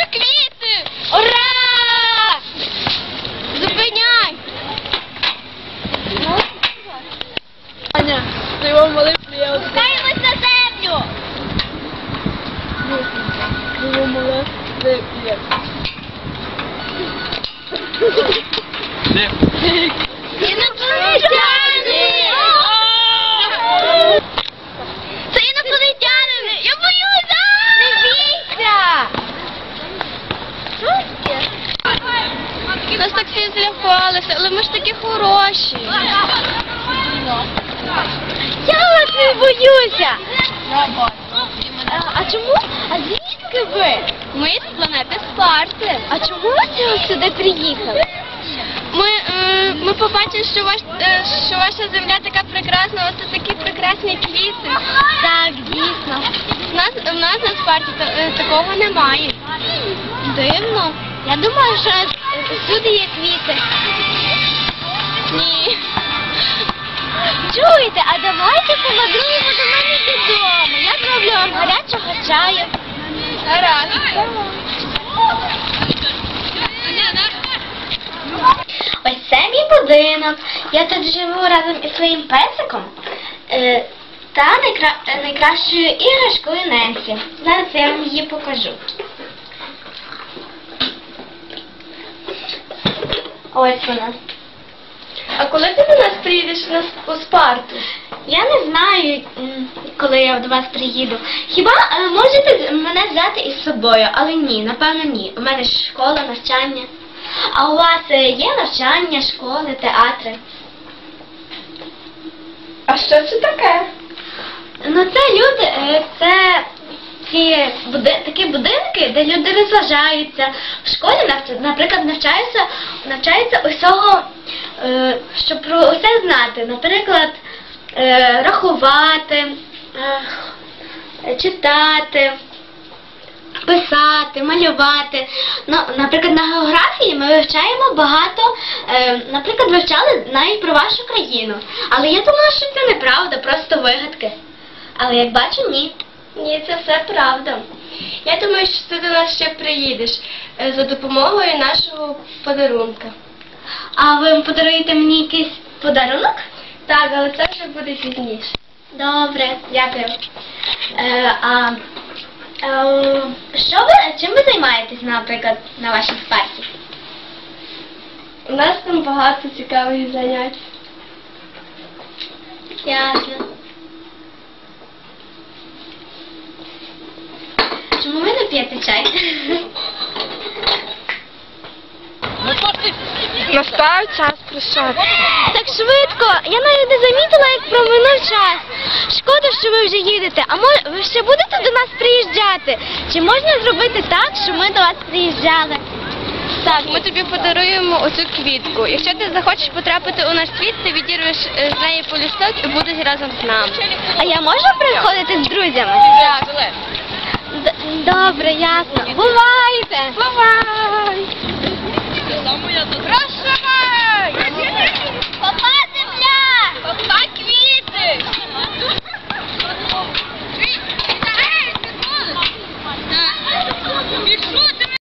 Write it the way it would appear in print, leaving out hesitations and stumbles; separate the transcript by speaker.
Speaker 1: квіти! Ура! Зупиняй!
Speaker 2: Аня, ти його молитву, я от...
Speaker 1: Спускаємось на землю!
Speaker 2: Його молитву, я...
Speaker 1: Інопланетяни! Це інопланетяни! Я боюся! Не бійся! Нас так всі злякалися, але ми ж такі хороші. Я вас не боюся! А чому? А звідки ви? Ми з планети Спарти. А чому ви сюди приїхали? Ми побачили, що ваша земля така прекрасна, оце такі прекрасні квіти. Так, дійсно. В нас на Спарті такого немає. Дивно. Я думаю, що всюди є квіти. Ні. Чуєте, а давайте помандруємо до мене додому. Я зроблю вам гарячого чаю. Гаразд. Ось це мій будинок. Я тут живу разом із своїм песиком та найкращою іграшкою Ненсі. Зараз я вам її покажу. Ось вона. А коли ти до нас приїдеш у Спарту? Я не знаю, коли я до вас приїду. Хіба можете мене взяти із собою? Але ні, напевно ні. У мене ж школа, навчання. А у вас є навчання, школи, театри? А що це таке? Ну це люди, це такі будинки, де люди розважаються. В школі, наприклад, навчаються усього, щоб про усе знати. Наприклад, рахувати, читати, писати, малювати. Ну, наприклад, на географії ми вивчаємо багато, наприклад, вивчали навіть про вашу країну. Але я думала, що це неправда, просто вигадки. Але як бачу, ні. Ні, це все правда. Я думаю, що ти до нас ще приїдеш за допомогою нашого подарунка. А ви подаруєте мені якийсь подарунок? Так, але це вже буде пізніше. Добре, дякую. Чим ви займаєтесь, наприклад, на вашій Спарті? У нас там багато цікавих занять. Ясно. Чому ви не п'єте чай?
Speaker 2: Настав час прощатися.
Speaker 1: Так швидко. Я навіть не замітила, як проминув час. Шкода, що ви вже їдете. А ви ще будете до нас приїжджати? Чи можна зробити так, що ми до вас приїжджали? Так, ми тобі подаруємо оцю квітку. Якщо ти захочеш потрапити у наш світ, ти відірвеш з неї полісток і будеш разом з нами. А я можу приходити з друзями? Так. Добре, ясно. Бувайте! Бувай!